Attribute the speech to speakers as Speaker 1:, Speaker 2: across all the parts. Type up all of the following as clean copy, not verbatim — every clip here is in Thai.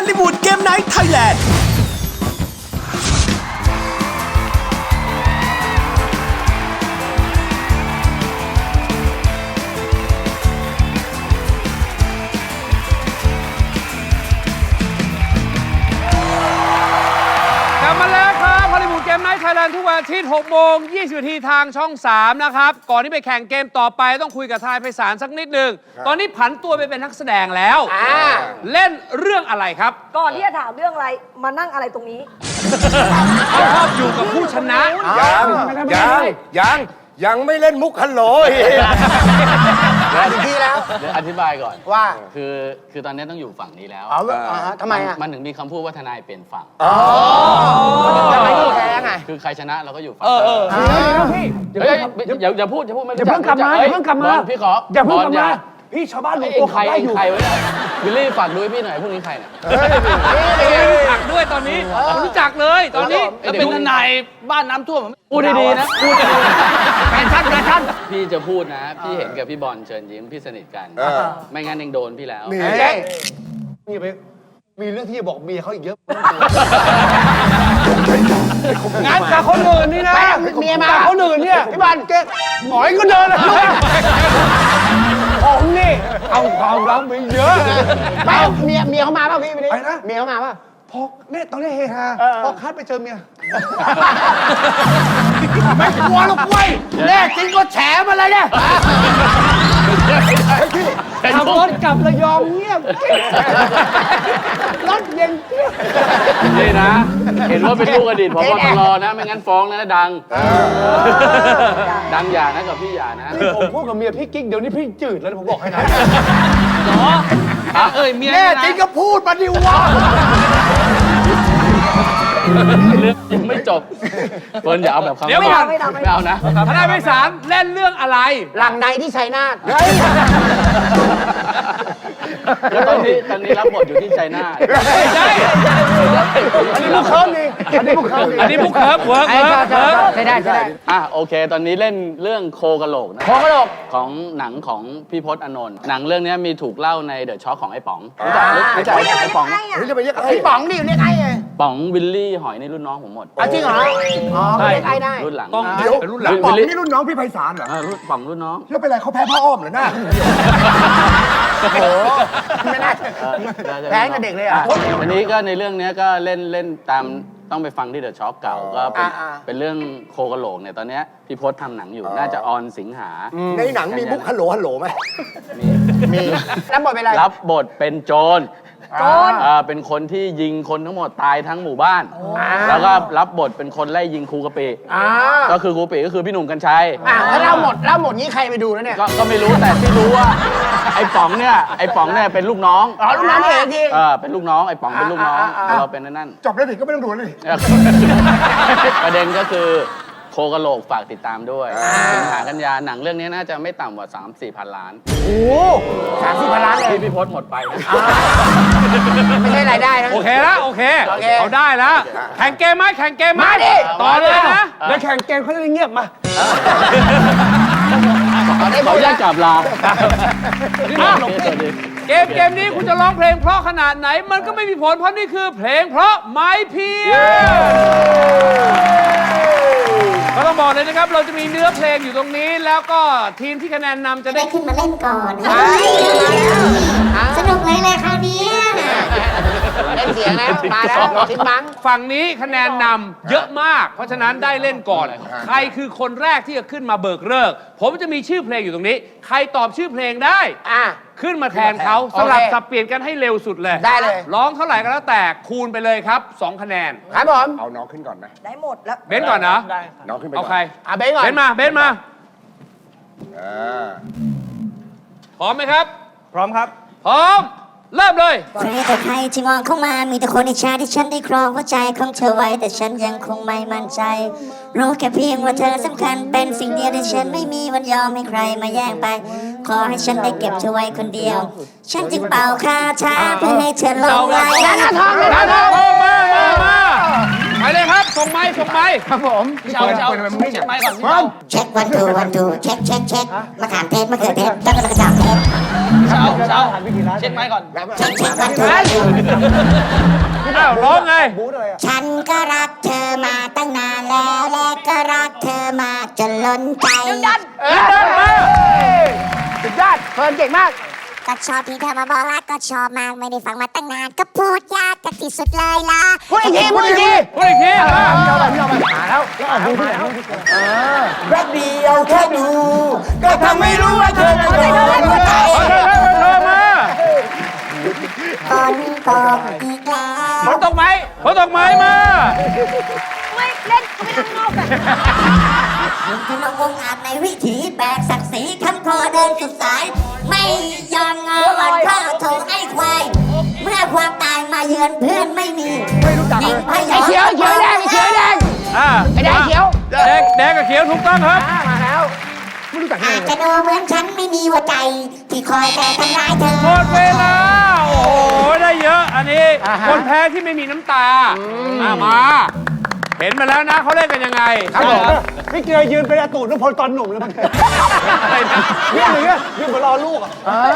Speaker 1: ลิวูดเกมไนท์ไทยแลนด์
Speaker 2: กลับมาแล้วครับฮอลลีวูดเกมไนท์ไทยแลนด์ทุกวันอาทิตย์6 โมง 20 นาทีทางช่อง 3 นะครับ ก่อนที่ไปแข่งเกมต่อไปต้องคุยกับทายไพศาลสักนิดหนึ่งตอนนี้ผันตัวไปเป็นนักแสดงแล้วเล่นเรื่องอะไรครับ
Speaker 3: ก่อนที่จะถามเรื่องอะไรมานั่งอะไรตรงนี้
Speaker 2: ชอบอยู่กับผู้ชนะ
Speaker 4: ยังไม่เล่นมุกฮัลโหลอีกทีแล้ว
Speaker 5: เดี๋ยวอธิบายก่อน
Speaker 4: ว่า
Speaker 5: คือตอนนี้ต้องอยู่ฝั่งนี้แล้ว
Speaker 4: ทำไมอ่ะ
Speaker 5: มันถึงมีคำพูดว่าทนายเปลี่ยนฝั่ง
Speaker 4: ทำไมแพ้ไง
Speaker 5: คือใครชนะเราก็อยู่ฝั่ง
Speaker 6: พี่
Speaker 5: เฮ้ยอย่าพูดไม่
Speaker 6: อย่าเพิ่งกลับมาอย่าเพิ่งกลับมา
Speaker 5: บอลพี่ขอ
Speaker 6: อย่าเพิ่งกลับ
Speaker 5: บอ
Speaker 6: มาพี่ชาวบ้านรวม
Speaker 5: เอ็
Speaker 6: ตัว
Speaker 5: งใคร
Speaker 6: ขับไล่
Speaker 5: เอ็ง
Speaker 6: อยู่
Speaker 5: ใครวะเนี่ยวิลลี่ฝากดูให้พี่หน่อยพวกนี้ใครเนี่ย
Speaker 2: ไม่รู้จักด้วยตอนนี้ไม่รู้จักเลยตอนนี้
Speaker 5: แล้วเป็นทนายบ้านน้ำท่วมพูดดีๆนะพูดดีๆแฟชั่นพี่จะพูดนะ พี่เห็นกับพี่บอลเชิญยิ้มพี่สนิทกัน ไม่งั้นเองโดนพี่แล้ว
Speaker 4: นี่ไปมีเรื่องที่จะบอกเมียเขาอีกเยอะ
Speaker 6: งานกับคนอื่นนี่นะเมียมาคนอื่นเนี่ยพี่บอลเก๊กหมอยก็เดินเลยผมนี่เอาความรักไปเยอะ
Speaker 4: ไม่เมียเขามาป่ะพี่
Speaker 6: อะไรนะ
Speaker 4: เมียเขามาป่ะ
Speaker 6: พอเนี่ยตอนนี้เฮฮาพอคัดไปเจอเมีย
Speaker 4: ไม่กลัวหรอกเว้ยแน่จริงก็แฉมาเลยเนี่ย
Speaker 6: ขับรถกลับระยองเงียบรถเย็น
Speaker 5: นี่นะ เห็นว่าเป็นลูกอดีตผบตรนะ ไม่งั้นฟ้องนะดัง ดังอย่านะกับพี่อย่านะ
Speaker 6: ผมพูดกับเมียพี่กิ๊กเดี๋ยวนี้พี่จืดแล้วผมบอกให้นะ
Speaker 2: เหรอเมีย
Speaker 4: แน่จริงก็พูดมาดิวะ
Speaker 5: เรื่องยังไม่จบเฟิร์นอย่าเอาแบบคำ
Speaker 2: เดี๋ยวก่อน
Speaker 3: ไม่เอา
Speaker 5: นะ
Speaker 2: ทนายไพศาลเล่นเรื่องอะไร
Speaker 4: หลังในที่ชัยนาท
Speaker 5: แล้วตอนนี้รับบทอยู่ที่ชัยนาท
Speaker 2: ไม่ใช่
Speaker 6: อันนี้ลูกเคิร์ฟนี่อันนี้ลูกเคิร์ฟ
Speaker 2: อันนี้พวกเคิร์ฟเวิร์ก
Speaker 4: ใช่ได้
Speaker 5: โอเค ตอนนี้เล่นเรื่องโคกะโหลกนะ
Speaker 4: โคกะโหลก
Speaker 5: ของหนังของพี่พจน์อานนท์หนังเรื่องนี้มีถูกเล่าในเดอะช็อคของไอ้ป๋องรู้จักไอ้ป๋อง
Speaker 4: จะไปเรียกไอ้ป๋องดิเรียกไอ้ไง
Speaker 5: ป๋องวิลลี่หอยนี่รุ่นน้องผมหมด
Speaker 4: จริงเหรออ๋อเรียกไอ้ได้
Speaker 5: รุ่นหลัง
Speaker 2: ต้องเป็นรุ่นหลัง
Speaker 4: ป๋องนี่รุ่นน้องพี่ไพศาลเหรอ
Speaker 5: ป๋องรุ่นน้อง
Speaker 4: แล้วเป็นไรเขาแพ้พ่ออ้อมเหรอหน้าโอ้โหไม่น่าแพ้กับเด็กเลยอ่ะ
Speaker 5: อันนี้ก็ในเรื่องนี้ก็เล่นตามต้องไปฟังที่เดอะช็อคเก่าก็เป็นเรื่องโคกะโหลกเนี่ยตอนนี้พี่พจน์ทำหนังอยู่น่าจะออนสิงหา
Speaker 4: ในหนังมีมุกฮัลโหลไหมมีรับบทเป็นอะไร
Speaker 5: รับบทเป็นโจรเป็นคนที่ยิงคนทั้งหมดตายทั้งหมู่บ้าน แล้วก็รับบทเป็นคนไล่ยิงครูกะปิก็คือครูกะปิก็คือพี่หนุ่มกัญชัย
Speaker 4: ถ้าเล่าหมดนี้ใครไปดูแล้วเนี่ย
Speaker 5: ก็ไม่รู้แต่ที่รู้ว่าไอ้ป๋องเนี่ยเป็นลูกน้อง
Speaker 4: ลูกน้องเองจริง
Speaker 5: เป็นลูกน้องไอ้ป๋องเป็นลูกน้องเราเป็นนั่น
Speaker 4: จบแล้วดิก็ไม่ต้องดูแล้วดิ
Speaker 5: ประเด็นก็คือโคกะโหลกฝากติดตามด้วยสิงหากันยาหนังเรื่องนี้น่าจะไม่ต่ำกว่า 3-4 พันล้าน
Speaker 4: โอ้30,000 ล้านเลย
Speaker 5: ที่พี่พจน์หมดไปนะ
Speaker 4: ไม่ใช่รายได้นะ
Speaker 2: โอเคแล้วโอเคเอาได้แล้วแข่งเกมไหม
Speaker 4: มาดิ
Speaker 2: ต่อเลยนะ
Speaker 6: เดี๋ยวแข่งเกมเขาจะได้เงียบมา
Speaker 5: ขออนุญาตกลับลา
Speaker 2: เกมนี้คุณจะร้องเพลงเพราะขนาดไหนมันก็ไม่มีผลเพราะนี่คือเพลงเพราะไม้เพียก็ต้องบอกเลยนะครับเราจะมีเนื้อเพลงอยู่ตรงนี้แล้วก็ทีมที่คะแนนนำจะได้
Speaker 7: ได้ขึ้นมาเล่นก่อนสนุกเลยเลยคราวนี้
Speaker 4: เล่นเสียงแล้วมาแล้วทิ้งบัง
Speaker 2: ฝั่งนี้คะแนนนำเยอะมาก เพราะฉะนั้นได้เล่นก่อน ใครคือคนแรกที่จะขึ้นมาเบิกเลิกผมจะมีชื่อเพลงอยู่ตรงนี้ ใครตอบชื่อเพลงได้ขึ้นมาแทนเขาสลับสับเปลี่ยนกันให้เร็วสุดเลย
Speaker 4: ได้เลย
Speaker 2: ร้องเท่าไหร่ก็แล้วแต่คูณไปเลยครับ2คะแนน
Speaker 4: ครับผม
Speaker 8: เอาน้องขึ้นก่อนไหม
Speaker 3: ได้หมดแล้ว
Speaker 2: เบนก่อนนะ
Speaker 8: น้องขึ้นไป
Speaker 2: เอา
Speaker 8: ก่อน
Speaker 2: ใคร
Speaker 4: เบนก่อน
Speaker 2: เบนมา
Speaker 8: อ่า
Speaker 2: พร้อมไหมครับ
Speaker 6: พร้อมครับ
Speaker 2: พร้อมเริ่มเลย
Speaker 7: ใครแต่ใครที่มองเข้ามามีแต่คนอิจฉาที่ฉันได้ครองหัวใจของเธอไว้แต่ฉันยังคงไม่มั่นใจรู้แค่เพียงว่าเธอสำคัญเป็นสิ่งเดียวที่ฉันไม่มีวันยอมให้ใครมาแย่งไปขอให้ฉันได้เก็บเธอไว้คนเดียวฉันจึงเป่าคาถาเพื่อให้เธอหลงไหล
Speaker 2: มาไปเลยครับส่งไม้ครับผม
Speaker 5: เช็คไมค์ก่อน
Speaker 7: เช็ควันทูเช็คเช็คมาถามเทปมะเขือเทศแล้วก็กระจาบเทป
Speaker 6: เช้าเช็คไม้ก่อน
Speaker 2: อ้าวร้องไง
Speaker 7: ฉันก็รักเธอมาตั้งนานแล้วและก็รักเธอมาจนล้นใจ
Speaker 4: สุดยอดเฟิร์นเก่งมาก
Speaker 7: ก็ชอบที่เธอมาบอกรักก็ชอบมากไม่ได้ฟังมาตั้งนานก็พูดยากกันที่สุดเลยล่ะ
Speaker 4: พูดอีกทีพูดอีกที
Speaker 2: พูดอีกที
Speaker 4: เอาไปหาแล้วดูที่ไหนแป๊บเดียวแค่ดูก็ทำให้รู้ว่าเธอเป็นคนหัวใจ
Speaker 2: เธอมา
Speaker 7: ฝนตกอีกแล้ว
Speaker 2: ฝนตกไหมฝนตกไหมมา
Speaker 3: ไม่เล่นเขาไม่นั่งนอกกัน
Speaker 7: เธอมาวงอาจในวิถีแบกศักดิ์ศรีคำคอเดินสุดสาย ไม่ยอมงออ่อนข้อโถไอ้ควายเมื่อความตายมาเยือนเพื่อนไม่มียิงพยอง
Speaker 4: เขียวแดงเขียวแดง ไอ้แดงเขียว
Speaker 2: แดงกับเขียวถูกต้องครับ
Speaker 4: มาแล้วไม่รู้จัก
Speaker 7: อาจจะดูเหมือนฉันไม่มีหัวใจ ที่คอยแต่ทำร้ายเธอ
Speaker 2: หมดเวลา โอ้โห ได้เยอะ อันนี้ คนแพ้ที่ไม่มีน้ำตามา เห็นมาแล้วนะเขาเล่นกันยังไง
Speaker 6: ครับผมพี่เกยยืนเป็นอาตูนพลตอนหนุ่มเลยมั้ง
Speaker 2: อะไรนะ
Speaker 6: ยืนอย่างเงี้ยยืนเหมือนรอลูกอ่ะ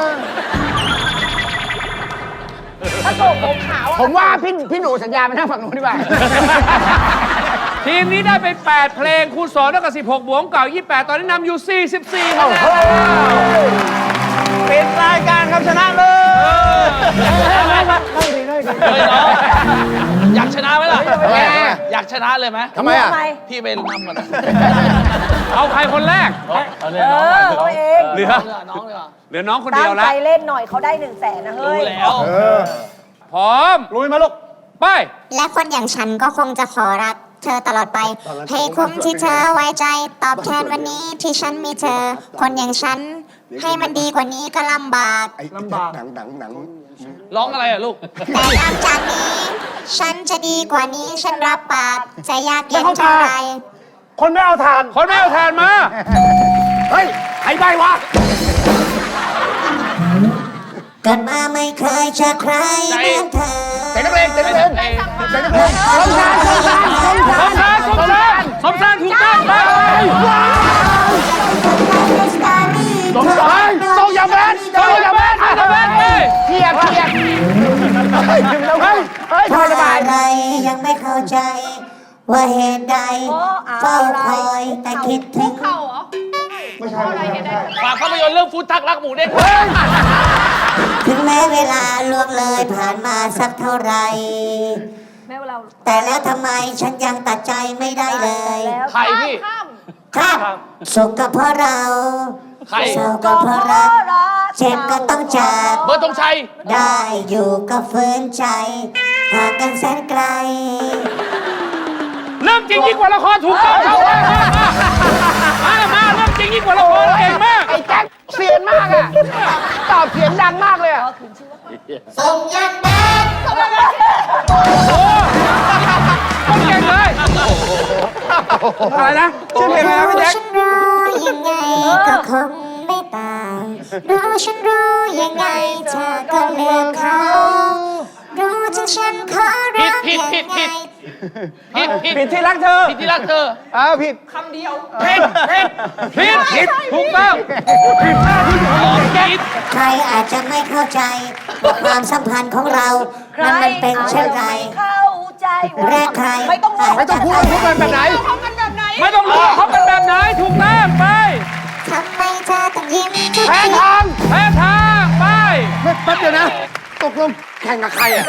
Speaker 3: ถ้าโกผมขาว
Speaker 4: ผมว่าพี่หนูสัญญาไปนั่งฝั่งนู้นดีกว่า
Speaker 2: ทีมนี้ได้ไป 8 เพลง คูณ2เท่ากับ16 บวกเก่า 28 ตอนนี้นำอยู่ 44คะแนน
Speaker 6: เป็นรายการครับชนะเลย
Speaker 1: อยากชนะไหมล่ะ อยากชนะเลยไหม
Speaker 4: ทำไมอ่ะ
Speaker 3: ทำไม
Speaker 1: พี่ไปนำก่อน
Speaker 2: เอาใครคนแรก
Speaker 3: ตัวเอง
Speaker 2: เหลือ
Speaker 1: น้องเลยเหรอ
Speaker 2: เหลือน้องคน
Speaker 3: ตั้
Speaker 2: เดี
Speaker 3: ง
Speaker 2: ยว
Speaker 3: ใจ
Speaker 2: แล้ว
Speaker 3: เล่นหน่อยเขาได้100,000นะเฮ้ย
Speaker 1: รู้แล้ว
Speaker 2: พร้อม
Speaker 6: ลุยมาลูก
Speaker 2: ไป
Speaker 7: และคนอย่างฉันก็คงจะขอรักเธอตลอดไป ให้คุ้มที่เธอไว้ใจ ตอบแทนวันนี้ที่ฉันมีเธอ คนอย่างฉัน ให้มันดีกว่านี้ก็ลำบาก
Speaker 6: ลำบาก
Speaker 8: หนัง
Speaker 1: ร้องอะไรอ่ะลูก
Speaker 7: แต่หลังจากนี้ ฉันจะดีกว่านี้ฉันรับปากจะยากเย็นเท่าไร
Speaker 6: คนไม่เอาทาน
Speaker 2: คนไม่เอาทานมา
Speaker 4: เฮ้ยใครใบวะ
Speaker 7: เกิดมาไม่เคยเจอใครเหมือนเธอ
Speaker 4: เต็มนักเลงเต็มนักเลง
Speaker 2: สมชายถูกต้องไป
Speaker 4: ส่งยาแมนส่งยาแมน
Speaker 2: อาตแมนไป
Speaker 4: เทียบเฮ้ยทรมาน
Speaker 7: อะไรยังไม่เข้าใจ ว่าเหตุใดเฝ้าคอยแต่คิดถึง
Speaker 1: ฝากภาพยนตร์เรื่องฟุตทักรักหมูเด้ง
Speaker 7: ถึงแม้เวลาล่วงเลยผ่านมาสักเท่าไหร่
Speaker 3: แม่เรา
Speaker 7: แต่แล้วทำไมฉันยังตัดใจไม่ได้เลย
Speaker 3: แล้ว
Speaker 1: ใครพี่
Speaker 7: ครับ สุขก็เพราะเรา
Speaker 1: ใคร
Speaker 7: เศร้าก็เพราะรัก เจ็บก็ต้องจาก
Speaker 1: เบอร์ธงชัย
Speaker 7: ได้อยู่ก็ฝืนใจห่างกันแสนไกล
Speaker 2: เรื่องจริงยิ่งกว่าละครถูกต้องครับมาเรื่องจริงยิ่งกว่าละครเก่งมาก
Speaker 4: ไอ้แจ็คเสียนมากอ่ะ ตอบเสียงดังมากเลยอ่ะ
Speaker 7: ส่งยังแบด
Speaker 2: โอ้ต้องเก่งเลยอะไรนะชื่อเพลงอะไรนะพี่แจ็ค
Speaker 7: ฉันรู้ยังไงก็คงไม่ต่างรู้ฉันรู้ยังไงเธอก็เลือกเขารู้จนฉันขอรัก
Speaker 1: ผิด
Speaker 7: ยังไง
Speaker 2: ผิดที่รักเธอ
Speaker 1: ผิดที่รักเธอ
Speaker 2: ผิดถูกต้องผิด
Speaker 7: ใครอาจจะไม่เข้าใจว่าความสัมพันธ์ของเรานั้นมันเป็นเช่นไร
Speaker 3: เข้าใจ
Speaker 7: แรกใคร
Speaker 3: ไม่ต้องรู้
Speaker 4: ไม่ต้องพูดกันแบบไหน
Speaker 3: เขากันแบบไหน
Speaker 2: ไม่ต้องรู้เขาเป็นแบบไหนถูกต้องไป
Speaker 7: ทำไมเธอต้องยิ้มทุก
Speaker 4: แพ้
Speaker 7: ที
Speaker 4: ทาง
Speaker 2: แพ้ทางไป
Speaker 4: แป๊บเดียวนะ ตกลงแข่งกับใครอ่ะ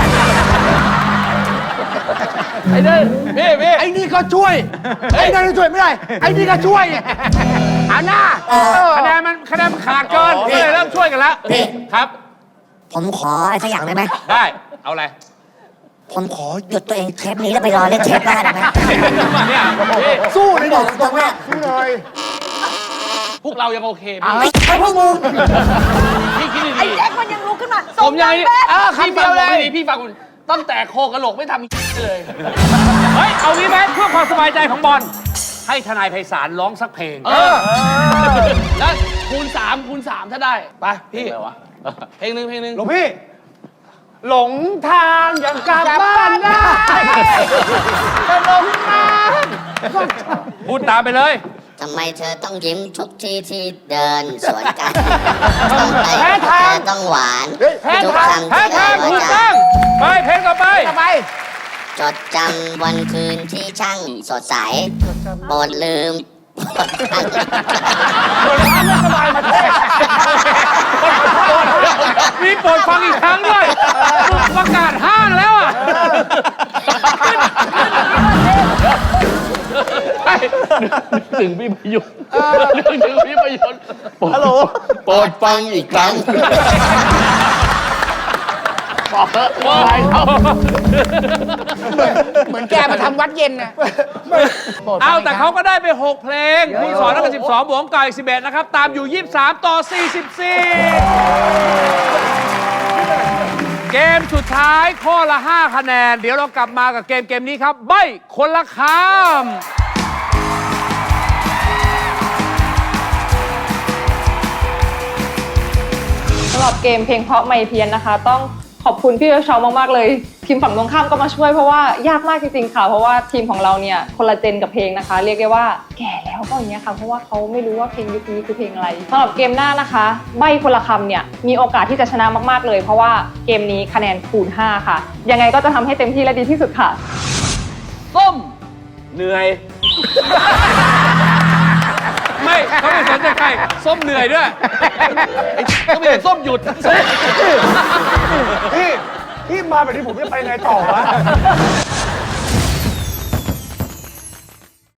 Speaker 1: ไอ้เด้อพี่
Speaker 4: ไอ้นี่ก็ช่วย ไอ้นั่นก็ช่วยไม่ได้ ไอ้นี่ก็ช่วยเอาหน้า
Speaker 2: คะแนนมันขาดเกินก็เลยเริ่มช่วยกันแล้วครับ
Speaker 7: ผมขออะไรสักอย่างได้ไหม
Speaker 2: ได้เอาอะไร
Speaker 7: ผมขอหยุดตัวเองเทปนี้แล้วไปรอเล่นเทปหน้าได้ไหม
Speaker 2: เนี่ยพี่
Speaker 4: สู้เลย
Speaker 7: บ
Speaker 4: ดิ
Speaker 7: อกตรงๆว่า
Speaker 4: สู้เลย
Speaker 1: พวกเรายังโอเค
Speaker 7: ไม่ใช่พวกมึง
Speaker 1: พี่คิด
Speaker 3: ไอ้
Speaker 1: ดี
Speaker 3: แจ็คมันยังลุกขึ้นมา
Speaker 1: ๆผมยัง
Speaker 3: แม่
Speaker 1: พี่ฟังผมดีพี่ฟังผมตั้งแต่โคกระโหลกไม่ทำเลย
Speaker 2: เฮ้ยเอางี้ไหมเพื่อความสบายใจของบอลให้ทนายไพศาลร้องสักเพลง
Speaker 1: แล้วคูณ3ถ้าได้ ไปพี่เพลงหนึ่ง
Speaker 6: หลวงพี่ หลงทางยังกลับบ้านได้
Speaker 2: พูดตามไปเลย
Speaker 7: ทำำไมเธอต้องยิ้มทุกที่ที่เดินสวนกันทำไม
Speaker 6: แพ้
Speaker 7: เธ
Speaker 6: ทาง
Speaker 7: อต้องหวาน
Speaker 6: แพ้
Speaker 7: ทุก
Speaker 6: ทาง
Speaker 7: คำ
Speaker 2: แพ้
Speaker 7: ที่
Speaker 2: ทาง
Speaker 7: เอ่ย
Speaker 2: ถูก
Speaker 7: วา
Speaker 2: ต้
Speaker 7: จา
Speaker 2: องไปเพลงต่อไป
Speaker 6: ต่อไป
Speaker 7: จดจำวันคืนที่ช่างสดใสโปรดลืม
Speaker 2: มีโปรดฟังอีกครั้งด้วยประกาศห้างแล้วอ่ะ
Speaker 5: ถึงพี่ประยุทธ์นึกถึงพี่ประยุทธ์ฮัลโหลโปรดฟังอีกครั้งบอกเถอะไปเขา
Speaker 6: เหมือนแกมาทำวัดเย็นนะ
Speaker 2: เอาแต่เขาก็ได้ไป 6 เพลงผู้สอนนัก12 บวกกับอีก11 นะครับ ตามอยู่ 23 ต่อ 44 เกมสุดท้ายข้อละ 5 คะแนน เดี๋ยวเรากลับมากับเกมนี้ครับ ใบ้คนละคำ
Speaker 9: สำหรับเกมเพลงเพราะไม่เพี้ยนนะคะ ต้องขอบคุณพี่เชามากๆเลยทีมฝั่งตรงข้ามก็มาช่วยเพราะว่ายากมากจริงๆค่ะเพราะว่าทีมของเราเนี่ยคนละเจนกับเพลงนะคะ เรียกได้ว่าแก่แล้วก็อย่างเงี้ยค่ะเพราะว่าเขาไม่รู้ว่าเพลงยุคนี้คือเพลงอะไรสำหรับเกมหน้านะคะใบ้คนละคำเนี่ยมีโอกาสที่จะชนะมากๆเลย เพราะว่าเกมนี้คะแนนคูณ5ค่ะยังไงก็จะทำให้เต็มที่และดีที่สุดค่ะ
Speaker 2: ส้ม
Speaker 5: เหนื่อย
Speaker 2: ไม่เขาไม่สนใจใครส้มเหนื่อยด้วย
Speaker 1: ก็ไม่เห็นส้มหยุด
Speaker 6: พี่มาแบบนี้ผมจะไปไงต่อวะ